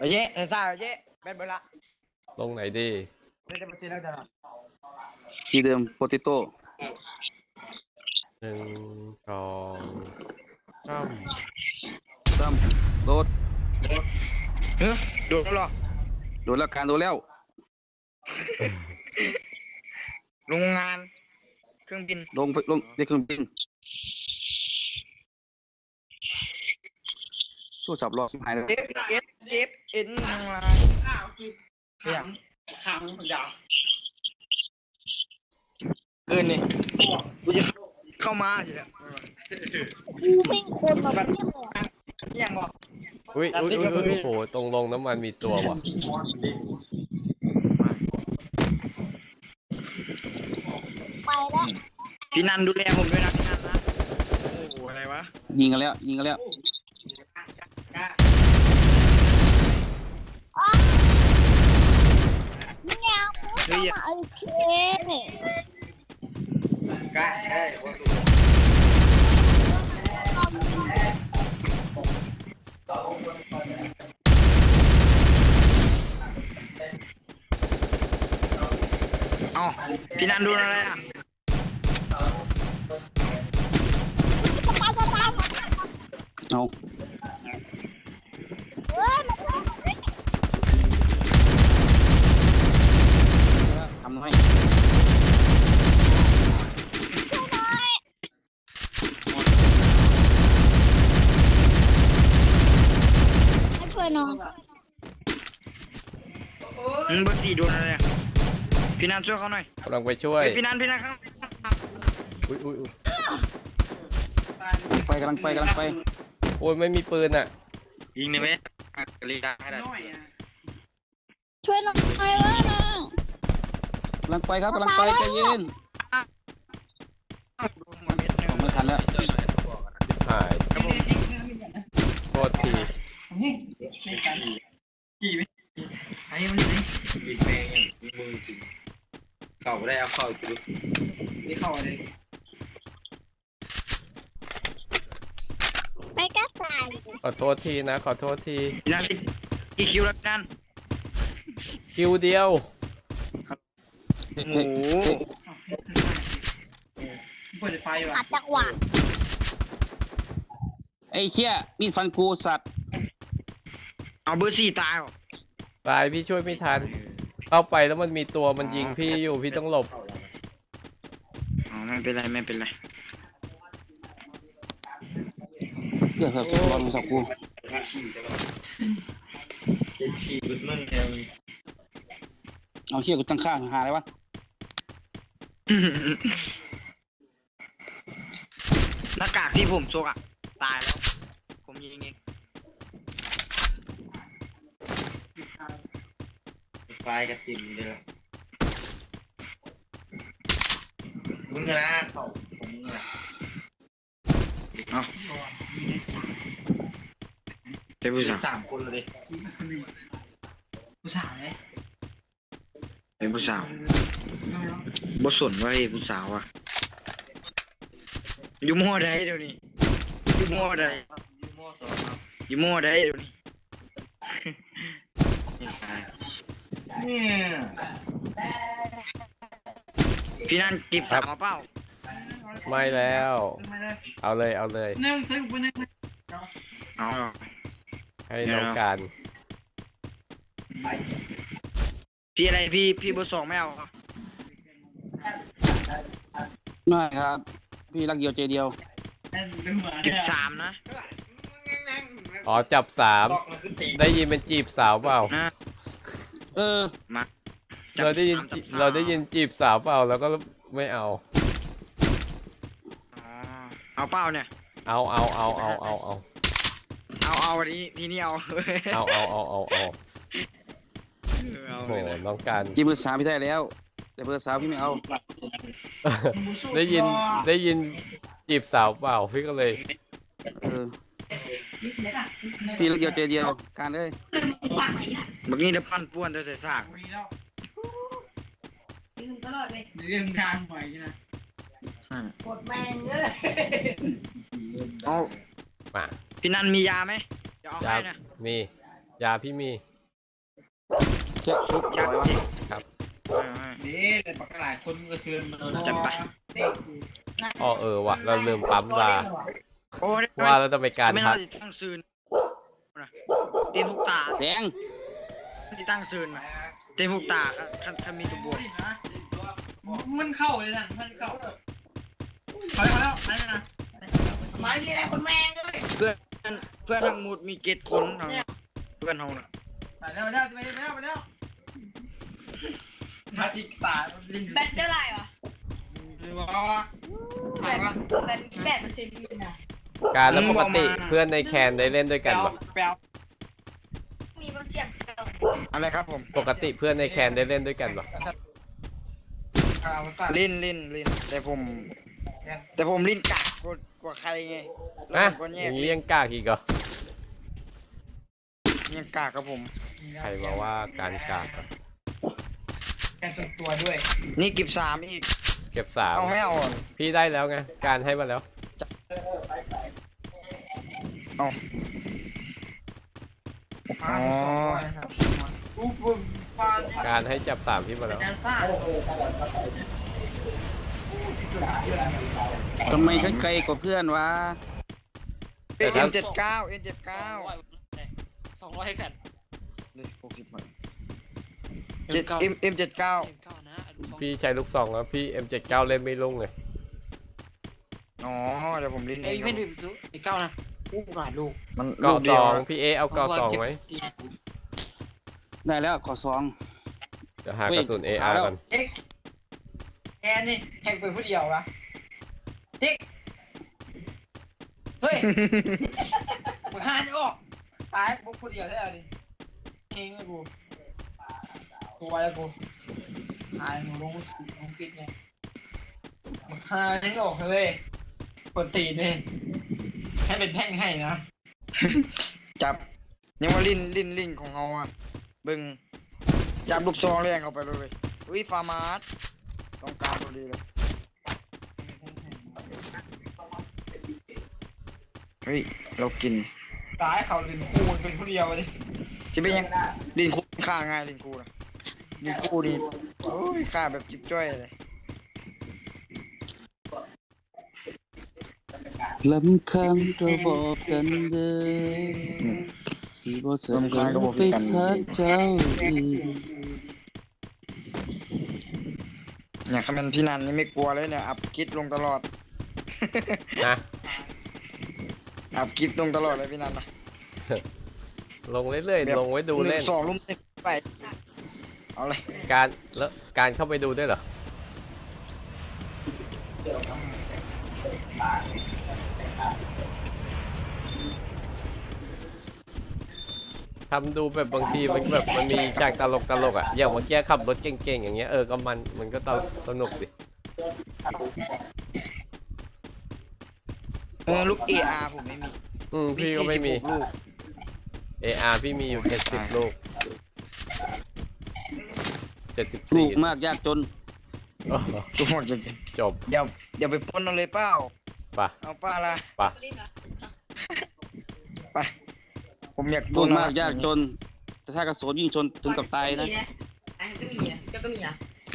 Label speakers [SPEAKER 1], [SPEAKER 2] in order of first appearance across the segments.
[SPEAKER 1] เย้ซ่าเย้แบนเบล่า
[SPEAKER 2] ลงไหนดี
[SPEAKER 3] ที่เดิมโปเตโต้
[SPEAKER 2] 1 2
[SPEAKER 3] ซ้ำโดด
[SPEAKER 1] โดนแล้วหรอ
[SPEAKER 3] โดดแล้วการโดดแล้ว
[SPEAKER 1] โรงงานเครื่องบิน
[SPEAKER 3] ลงในเครื่องบินสู้สับรอหายเลย
[SPEAKER 1] เอ็นทางลายขังยาวเกินนี่กูจะเข้ามาอยู่แล้ว
[SPEAKER 4] กูเป็นคนมาแบบ
[SPEAKER 1] ยังบอก
[SPEAKER 2] อุ้ยโอ้โหตรงลงน้ำมันมีตัวว่ะ
[SPEAKER 4] ไปแล้ว
[SPEAKER 1] พี่นันดูแลผมด้วยนะพี่นันนะโอ้โหอะไรวะ
[SPEAKER 3] ยิงกันแล้ว
[SPEAKER 4] เนี่ยพูดมาโอเค
[SPEAKER 1] กล้าได้พี่นันดูอะไรอ่ะ
[SPEAKER 3] เอาทำให้
[SPEAKER 4] ช่วยน้อง
[SPEAKER 1] เบอร์4โดนอะไรอ่ะพี่นันช่วยเขาหน่อย
[SPEAKER 2] กำลังไปช่วย
[SPEAKER 1] พี่นันครับ
[SPEAKER 2] อุ้ย
[SPEAKER 3] กำลังไป
[SPEAKER 2] โอ้ยไม่มีปืนอ่ะ
[SPEAKER 1] ยิงได้ไหมกรีดาให้ได้
[SPEAKER 4] ช่วยน้องหน่อยว่าน้อง
[SPEAKER 3] กำลังไปครับใจเย็นไม่ทันแล้ว
[SPEAKER 2] หายโทษที
[SPEAKER 1] ไอ้มันยิงแมงยิงมือจริงเข่าได้เอาเข่าจุดนี่เข่าอะไร
[SPEAKER 4] ไปก็ตาย
[SPEAKER 2] ขอโทษทีนะขอโทษที
[SPEAKER 1] นั่นกี่คิวแล้วนั่น
[SPEAKER 2] คิวเดียว
[SPEAKER 1] โอ้โหเปิดไฟว่ะ
[SPEAKER 4] จังหวะ
[SPEAKER 3] ไอ้เชี่ยมีดฟันกูสัตว์
[SPEAKER 1] เอาเบอร์4ตายหรอ
[SPEAKER 2] ตายพี่ช่วยไม่ทันเข้าไปแล้วมันมีตัวมันยิงพี่อยู่พี่ต้องหลบ
[SPEAKER 1] ไม่เป็นไร
[SPEAKER 3] เดี๋ยวครับรอดูสักกูเอาเชี่ยกูตั้งข้างหาอะไรวะ
[SPEAKER 1] หน้ากากที่ผมโชกอ่ะตายแล้วผมยิงเองไฟกระติ่มเลยมึงนะเขาผมมึงนะเป็นผู้สาว3 คนเลยผู้สาวเลยเป็นผู้สาวบ่สนว่าไอ้ผู้สาวอ่ะอยู่มอใดเดี๋ยวนี้อยู่มอใดเดี๋ยวนี้พี่นั่นเก็บสาวมาเปล่า
[SPEAKER 2] ไม่แล้วเอาเลยเอาให้น้องการ
[SPEAKER 1] พี่อะไรพี่เบอร์ 2ไม่เอา
[SPEAKER 3] ไม่ครับพี่รักเดียวใจเดียว
[SPEAKER 1] เก็บ3นะ
[SPEAKER 2] อ๋อจับ3ได้ยินเป็นจีบสาวเปล่า
[SPEAKER 1] มา
[SPEAKER 2] เราได้ยินจีบสาวเปล่าแล้วก็ไม่เอา
[SPEAKER 1] เปล่าเนี่ย
[SPEAKER 2] เอา
[SPEAKER 1] วันนี้ทีนี้เอา
[SPEAKER 2] โหน้องการ
[SPEAKER 3] จีบเบอร์ 3พี่ได้แล้วแต่เบอร์ 3พี่ไม่เอา
[SPEAKER 2] ได้ยินจีบสาวเปล่าพี่ก็เลย
[SPEAKER 3] พี่รักเดียวใจเดียวการเลย
[SPEAKER 1] แบบนี้จะปั้นป้วนจะสร้างเรื่องทางใหม่ใช่ไหมกดแมงเลยเอาพี่นันมียาไหมจะเอาให้นะ
[SPEAKER 2] มียาพี่มี
[SPEAKER 3] เจ๊ทุบปล่อยวะ
[SPEAKER 5] นี่แต่ปากหลายคนก็เชิญ
[SPEAKER 1] จัดไป
[SPEAKER 2] อ๋อว่ะเราลืมปั๊มลา
[SPEAKER 1] โอ้ย
[SPEAKER 2] ว่าเราจะไปการ
[SPEAKER 1] ไม่
[SPEAKER 2] ทั
[SPEAKER 1] น่าก จะตั้งซืนเต็มทุกตา
[SPEAKER 3] แดง
[SPEAKER 1] ที่ตั้งซืนเต็มทุกตาถ้ามีตัวบวก
[SPEAKER 5] มันเข้าเลยนะมันเข้าเขาแล้วนั่นนะไม้ที่ไหนคนแม่งเลย
[SPEAKER 1] เพื่อนทั้งหมดมีเกตคนทั้งเพื่อนเฮาน่ะ
[SPEAKER 5] ไปแล้วมาจิกตา
[SPEAKER 4] แบตเท่าไหร่วะ
[SPEAKER 5] ไหนวะ
[SPEAKER 4] แบต8%นี่นะ
[SPEAKER 2] การแล้วปกติเพื่อนในแคนได้เล่นด้วยกันปะ
[SPEAKER 5] แปลว
[SPEAKER 4] มีบางเสียง
[SPEAKER 1] อะไรครับผม
[SPEAKER 2] ปกติเพื่อนในแคนได้เล่นด้วยกันปะ
[SPEAKER 1] ลิ้นแต่ผมลิ้นกากกว่าใครไง
[SPEAKER 2] นะ
[SPEAKER 1] คน
[SPEAKER 2] อ
[SPEAKER 1] แยก
[SPEAKER 2] ย่างนี้ยังกล้าอีกเหรอ
[SPEAKER 1] ยังกากครับผม
[SPEAKER 2] ใครมาว่าการกล้า
[SPEAKER 5] แกส่วนตัวด้วย
[SPEAKER 1] นี่เก็บ3อีก
[SPEAKER 2] เก็บ3
[SPEAKER 1] เอาไม่เอาอ่ะ
[SPEAKER 2] พี่ได้แล้วไงการให้มาแล้ว
[SPEAKER 1] เอาอ๋อ
[SPEAKER 2] การให้จับ3พี่มาแล้ว
[SPEAKER 3] ทำไมฉันไกลกว่าเพื่อนวะ
[SPEAKER 2] แต่ถ้า
[SPEAKER 1] N79
[SPEAKER 5] 200ให้กัน
[SPEAKER 1] เลย60มาM79
[SPEAKER 2] พี่ใช้ลูกซองแล้วพี่ M79 เล่นไม่ลงเลย
[SPEAKER 1] อ๋อเดี๋ยวผมลิ้น
[SPEAKER 5] ไอ้ไม่ดื่มไอ้เก้านะหลายลูก
[SPEAKER 1] มัน
[SPEAKER 2] เกาะ
[SPEAKER 1] ลูดี
[SPEAKER 2] ส
[SPEAKER 1] ยว
[SPEAKER 2] องพี่เอาเกาะสองไหม
[SPEAKER 3] ได้แล้วขอ2
[SPEAKER 2] เดี๋ยวหากระสุน AR ก่อน
[SPEAKER 5] แอนนี่แข่งเป็นผู้เดียวนะติ๊กเฮ้ยมึงหาจะออกตายพวกผู้เดียวได้เอาดิเองไอ้กูไว้แล้วกูหายหนูลงปิดไงมึงหาจะออกเลยกดตีนี่ให้เป็นแท่งให้นะ
[SPEAKER 1] จับยังว่าลิ้นของเขาอ่ะเบึงจับลูกซองแรงเข้าไปเลยอุ้ยฟาร์มาร์สต้องการพอดีเลยเฮ้ยเรากิน
[SPEAKER 5] ตายเขาเป็นคู่เป็นผู้เดียวเลย
[SPEAKER 1] จะเป็นยังลิ้นคู่ฆ่าง่ายลิ้นคู่นะลิ้นคู่นี่โอ้ยฆ่าแบบจิ๊บจ้อยเลย
[SPEAKER 3] ลำคังก็บอกกันเด้อสิบ่สนใจไปทักเจ้าอีก
[SPEAKER 1] เนี่ยคำเป็นพี่นันนี่ไม่กลัวเลยเนี่ยอัพคลิปลงตลอด
[SPEAKER 2] นะ
[SPEAKER 1] อัพคลิปลงตลอดเลยพี่นันนะ
[SPEAKER 2] ลงเรื่อยๆลงไว้ดูเล่น
[SPEAKER 1] 1 2 ลุ่ม1ไปเอาเลย
[SPEAKER 2] การแล้วการเข้าไปดูด้วยเหรอทำดูแบบบางทีมันแบบมันมีจากตลกอ่ะอย่างเมื่อกี้ขับรถเก่งๆอย่างเงี้ยก็มันก็สนุกดิ
[SPEAKER 1] ลูก AR ผมไม่มี
[SPEAKER 2] พี่ก็ไม่มี
[SPEAKER 1] 46ลูก
[SPEAKER 2] AR พี่มีอยู่70ลูก
[SPEAKER 3] ลูก
[SPEAKER 2] 74
[SPEAKER 3] มากยากจน
[SPEAKER 2] โอ้โห
[SPEAKER 1] ทุกคนจะ
[SPEAKER 2] จบ
[SPEAKER 1] เดี๋ยวไปปล้นเอาเลยเปล่า
[SPEAKER 2] ป่ะ
[SPEAKER 1] เอาป้าละ
[SPEAKER 2] ป่ะ
[SPEAKER 1] ไปผมอยาก
[SPEAKER 3] ลูกมากยากจน แต่ถ้ากระสุนยิงชนถึงกับตายนะ
[SPEAKER 4] ก็มีอ่ะเจ้าก็มีอ่ะ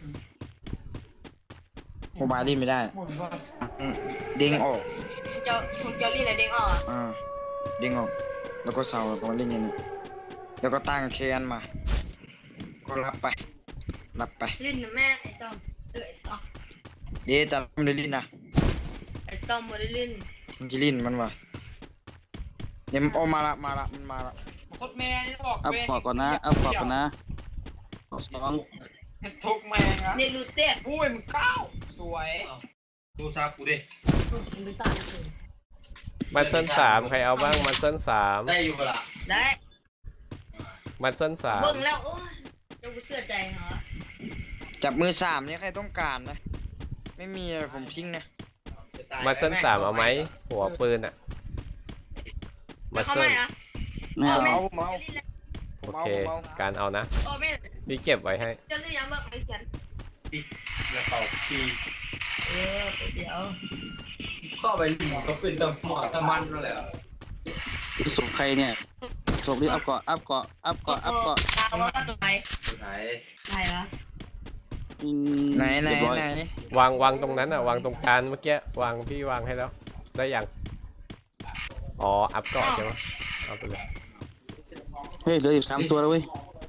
[SPEAKER 1] โมบายเล่นไม่ได้เด้งออก
[SPEAKER 4] เจ้าลี่ไหนเด้งออกอ่ะ
[SPEAKER 1] เด้งออกแล้วก็เสาแล้วก็เล่นอย่างนี้แล้วก็ตั้งแคนมา ก็รับไป
[SPEAKER 4] ลิ้นนะแม่ไอ้ต้อมไอ้ต้อม
[SPEAKER 1] เดี๋ยวจะทำได้ลิ้นนะ
[SPEAKER 4] ไอ้ต้อมมาได้ลิ้น
[SPEAKER 1] มันจะลิ้นมันวะเดี๋ยวมันเอามาละมันมาละ
[SPEAKER 5] โคตรแม่นี่บอก
[SPEAKER 3] อัพขอก่อนนะอัพขอก่อนนะขอ2
[SPEAKER 5] ทุกแม่งอะ
[SPEAKER 4] เนี่ยรูเต้
[SPEAKER 5] อุ้ยมึงก้าวสวยดูซากูดิ
[SPEAKER 4] ดูซ่าเลย
[SPEAKER 2] มันเส้น3ใครเอาบ้างมันเส้น3
[SPEAKER 5] ได้อยู่ปะล่ะ
[SPEAKER 4] ได้
[SPEAKER 2] มันเส้น
[SPEAKER 4] เบิ่งแล้วโอ้ยเจ้ากูเชื่อใจเหรอ
[SPEAKER 1] จับมือ3เนี่ยใครต้องการนะไม่มีอะไรผมทิ้งนะ
[SPEAKER 2] 3มันเส้น3เอาไหมหัวปืนอ่ะมัน
[SPEAKER 4] เขา
[SPEAKER 2] เส้
[SPEAKER 4] ไม่
[SPEAKER 2] น
[SPEAKER 4] อ่ะ
[SPEAKER 3] ไม่เอา
[SPEAKER 1] เอา
[SPEAKER 2] โอเคการเอานะ
[SPEAKER 4] โอ้ไม่
[SPEAKER 2] พี่เก็บไว้ให้
[SPEAKER 4] เจ้าเรื่องยังเบิ่งไอ้เขียน
[SPEAKER 5] อย่าเป่าชี
[SPEAKER 4] เดี๋ยว
[SPEAKER 5] เข้าไปหมอก็เป็นตะหมอตะมันนั่นแหละ
[SPEAKER 3] สุขใครเนี่ยศพดิอัพเกาะอัพเกาะอัพเกาะอัพเกาะ
[SPEAKER 4] ตามว่าตัวไหน
[SPEAKER 1] ไหน
[SPEAKER 4] ไหนวะ
[SPEAKER 1] ไหน
[SPEAKER 3] เรียบร้อย
[SPEAKER 2] วางตรงนั้นอ่ะวางตรงกลางเมื่อกี้วางพี่วางให้แล้วได้ยังอ๋ออัพเกาะใช่ไหมเอาไปเลย
[SPEAKER 3] เฮ้ยเหลืออยู่3ตัวแล้วเว้ย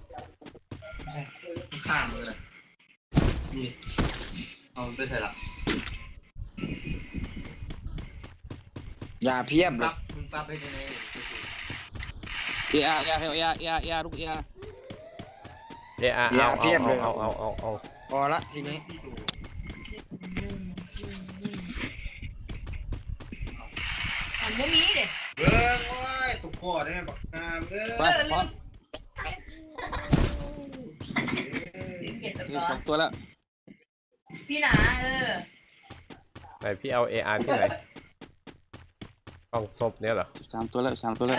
[SPEAKER 1] ข้ามเลยนี่เอาไปใส่ละอย่าเพียบเลยมึงปรับไปในไหน
[SPEAKER 3] เออาลูกเออา
[SPEAKER 2] เอา
[SPEAKER 1] พอละทีนี้
[SPEAKER 4] อันบ่มีเด้
[SPEAKER 1] เบิ้งโอ้ยตุกคอได้ไหมบักงามเด้อ
[SPEAKER 3] ไปพร้อม
[SPEAKER 4] เก็บ
[SPEAKER 3] เหลื
[SPEAKER 4] ตั
[SPEAKER 3] อ
[SPEAKER 4] ว
[SPEAKER 3] 2ตัวแล้ว
[SPEAKER 4] พี่หนา
[SPEAKER 2] ไหนพี่เอา AR ที่ไหนกล่องศพเนี่ยเหรอ
[SPEAKER 3] 3ตัวแล้ว3ตัวแล้ว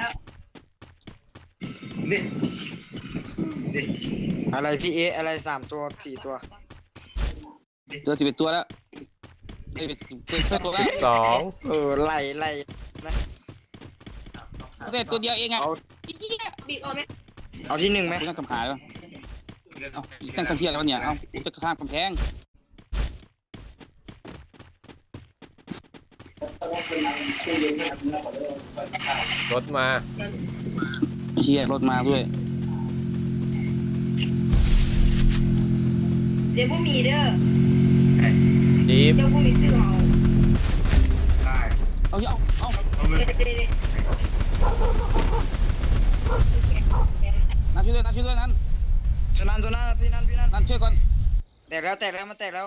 [SPEAKER 1] นี่นี่อะไรพี่เออะไร3 ตัว 4 ตัว
[SPEAKER 3] เหลือ11ตัวแล้วเอ้ย11ตัวแล้ว
[SPEAKER 2] 2
[SPEAKER 1] ไล่นะ
[SPEAKER 3] ได้ตัวเดียวเองอ่ะ
[SPEAKER 1] เอา
[SPEAKER 4] บีบเอาไหม
[SPEAKER 1] เอาที่ 1ไหม
[SPEAKER 3] กูต้องกำหายแล้วเอาอีกตั้งกำเทียแล้วเนี่ยเอากูจะข้ามกำแพง
[SPEAKER 2] รถมา
[SPEAKER 3] เฮียรถมาด้วย
[SPEAKER 4] เดี๋ยวบ่มีเด้อ
[SPEAKER 2] จีบ
[SPEAKER 4] เดี๋ยวบ่มีชื่อเอา
[SPEAKER 3] เอา
[SPEAKER 4] เดี๋ยว
[SPEAKER 3] นั่นช่วยด้วยนั่น
[SPEAKER 1] ตัวนั้นพี่นั่น
[SPEAKER 3] นั่นช่วยก่อน
[SPEAKER 1] แตกแล้วมันแตกแล้ว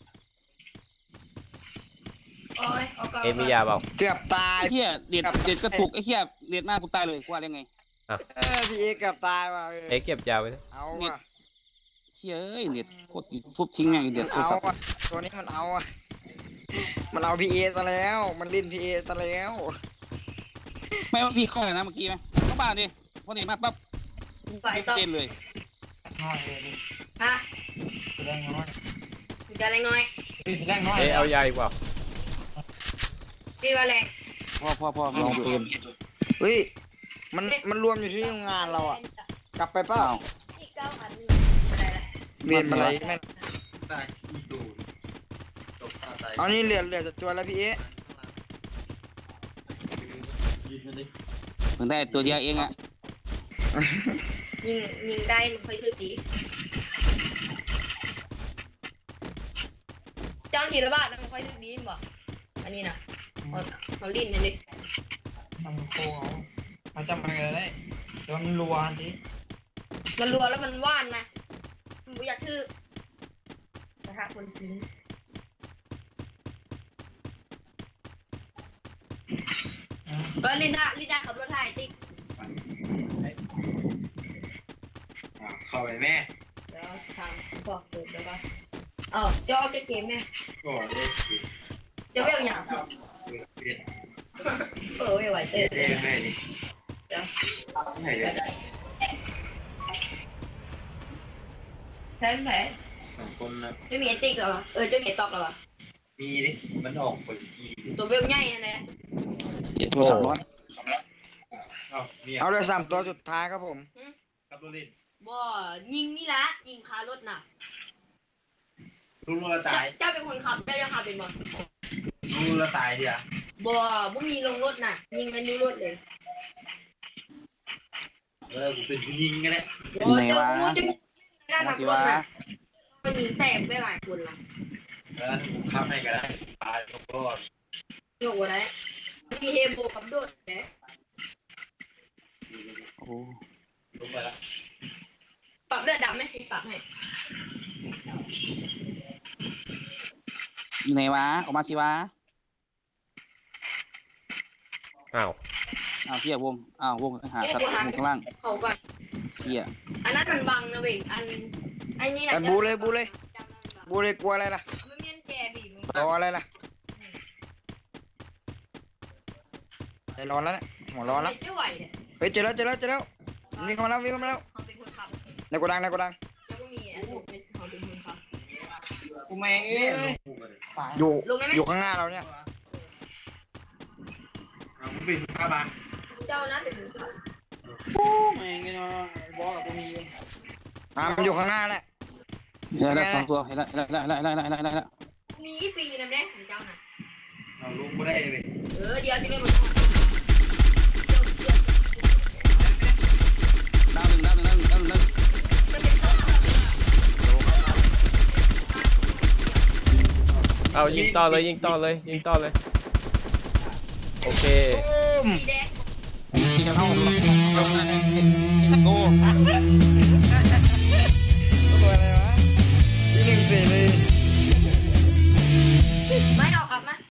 [SPEAKER 4] โอ้ยเอาก่อน
[SPEAKER 2] เอ็มมียาเปล่า
[SPEAKER 1] เกือบตาย
[SPEAKER 3] ไอ้เฮียเด็ดกระตุกไอ้เฮียเด็ดหน้ากูตายเลยกูว่าได้ไง
[SPEAKER 1] พี่เอเกือบตายว่ะ
[SPEAKER 2] เก็บยาไว้นะ
[SPEAKER 1] เอาว่ะ
[SPEAKER 3] เชี่ยเอ้ยเด็ดโคตรทุบทิ้งแม่งเด็ดโทร
[SPEAKER 1] เอา
[SPEAKER 3] ศัพท์
[SPEAKER 1] ว่ะตัวนี้มันเอาอ่ะมันเอาพี่เอซะแล้วมันลิ้นพี่เอซะแล้ว
[SPEAKER 3] ไม่ว่าพี่เข้าเลยนะเมื่อกี้ไหมเข้าบ้านดิพอเด็ดมาปั๊บ
[SPEAKER 4] ไปต่อ
[SPEAKER 3] เต้นเลย
[SPEAKER 5] น้อยเลยดิ
[SPEAKER 4] ฮะ
[SPEAKER 5] แสดงน้อย
[SPEAKER 4] จะอะไรน้อย
[SPEAKER 5] แสดงน้อย
[SPEAKER 2] เอายาอีกเปล่า
[SPEAKER 4] ดีว่าแรง
[SPEAKER 3] พ่อลองปืน
[SPEAKER 1] เฮ้ยมันรวมอยู่ที่โรงงานเราอ่ะกลับไปเปล่า
[SPEAKER 4] อีก9 อันอะไรล่ะ
[SPEAKER 1] เวียนอะไรแม่งเอานี่เหลือจะตัวแล้วพี่เอ
[SPEAKER 3] เพิ่งได้ตัวเดียวเองอ่ะ
[SPEAKER 4] ยิงได้มันค่อยคือดีเจ้าทีละบาทแล้วมันค่อยคือดีบ่อันนี้นะเขาลิ้นนี่ดิ
[SPEAKER 5] มันโค้งเขาจำอะไรได้แต่ว่ามันรัวสิ
[SPEAKER 4] มันรัวแล้วมันว่านนะมันบ่อยากทื่อกระทะคนทิ้งก็ลินดาขับรถถ่ายติ๊ก
[SPEAKER 1] เข้าไปแม่
[SPEAKER 4] เดี๋ยวทางบอกเปิดแล้วก็จะออกเกมแม่
[SPEAKER 1] ก่อนเลย
[SPEAKER 4] จะไม่เอาอย่างไม่ไหวเต้น
[SPEAKER 1] แม่นี่
[SPEAKER 4] เดี๋ยว
[SPEAKER 1] ไหนเลย
[SPEAKER 4] ใช่ไหม
[SPEAKER 1] 2 คนนะ
[SPEAKER 4] จะมีไอติ๊กเหรอจะมีไอตอกเหรอ
[SPEAKER 1] มีดิมันออกคนกี่
[SPEAKER 4] ตัวเบลใหญ่นะเนี่ย
[SPEAKER 3] โทรศัพท์ร้อน
[SPEAKER 1] เอาเลย3 ตัวสุดท้ายครับผม
[SPEAKER 5] ครับตัวลิ้น
[SPEAKER 4] บ่ยิงนี่ละยิงคารถน่ะ
[SPEAKER 5] รู้ละตาย
[SPEAKER 4] เจ้าเป็นคนขับเจ้าจะขับเป็นบ่
[SPEAKER 5] รู้ละตายดิอ่ะ
[SPEAKER 4] บ่มีลงรถน่ะ ยิงกันอยู่รถเลย
[SPEAKER 5] กูเป็นผู้ยิงกันแหละ
[SPEAKER 3] ไหนวะ
[SPEAKER 4] ด้านหลั
[SPEAKER 3] มาง สิ
[SPEAKER 4] รถ
[SPEAKER 3] วะ
[SPEAKER 4] น่ะมันมีแตกไปหลายคนละ
[SPEAKER 5] กูขับให้กันได้ตายก็
[SPEAKER 4] โยกอะไรมีเฮโบกับโดดแหม
[SPEAKER 3] โอ้
[SPEAKER 5] ลงไปละ
[SPEAKER 4] ปรับเลือดดำไหมปรับให้
[SPEAKER 3] อยู่ไหนวะออกมาสิวะ
[SPEAKER 2] อ้าว
[SPEAKER 3] เชี่ยวงวงหาสัตว์ข้างล่าง
[SPEAKER 4] เขาก่อน
[SPEAKER 3] เชี่ย
[SPEAKER 4] อันนั้นมันบังนะเว้ยอันนี้นะ
[SPEAKER 1] บูเลยกลัวอะไรล่ะ
[SPEAKER 4] มันเมียนแกบีบ
[SPEAKER 1] รออะไรล่ะใจร้อนแล้วเนี่ยหัวร้อนแล้ว
[SPEAKER 4] ไม่ไหวเนี่ย
[SPEAKER 1] เฮ้ยเจอแล้ววิ่งเข้ามาแล้ว
[SPEAKER 4] เขาเป็นคนขับ
[SPEAKER 1] ในโกดัง
[SPEAKER 4] แล้วก็มีไอ้พวกเป็นเขาเป็นคนขับ
[SPEAKER 5] กูแมงเอ้ย
[SPEAKER 1] อยู่ข้างหน้าเราเนี่ย
[SPEAKER 5] กูเป็นข้าบ้าน
[SPEAKER 4] เจ้านะเป็นคนขับ
[SPEAKER 5] แม่งเนาะบอสกับกูมี
[SPEAKER 1] มันอยู่ข้างหน้าแหละ
[SPEAKER 3] แล้วสองตัวเห็นแล้ว
[SPEAKER 4] มีกี่ปีนะแม่ของเจ้าน่ะ
[SPEAKER 5] เราลุกไม่ได้เลย
[SPEAKER 4] เดี๋ยวที่แม่บอก
[SPEAKER 3] ดาวหนึ่ง
[SPEAKER 4] จะเป็นต้น
[SPEAKER 2] เอายิงต่อเลยยิงต่อเลยโอเค
[SPEAKER 4] สีแดง
[SPEAKER 3] ที่จะเข้าลงโอ้
[SPEAKER 5] ตัวอะไรวะที่หนึ่งสี่เลย
[SPEAKER 4] ไม่เอา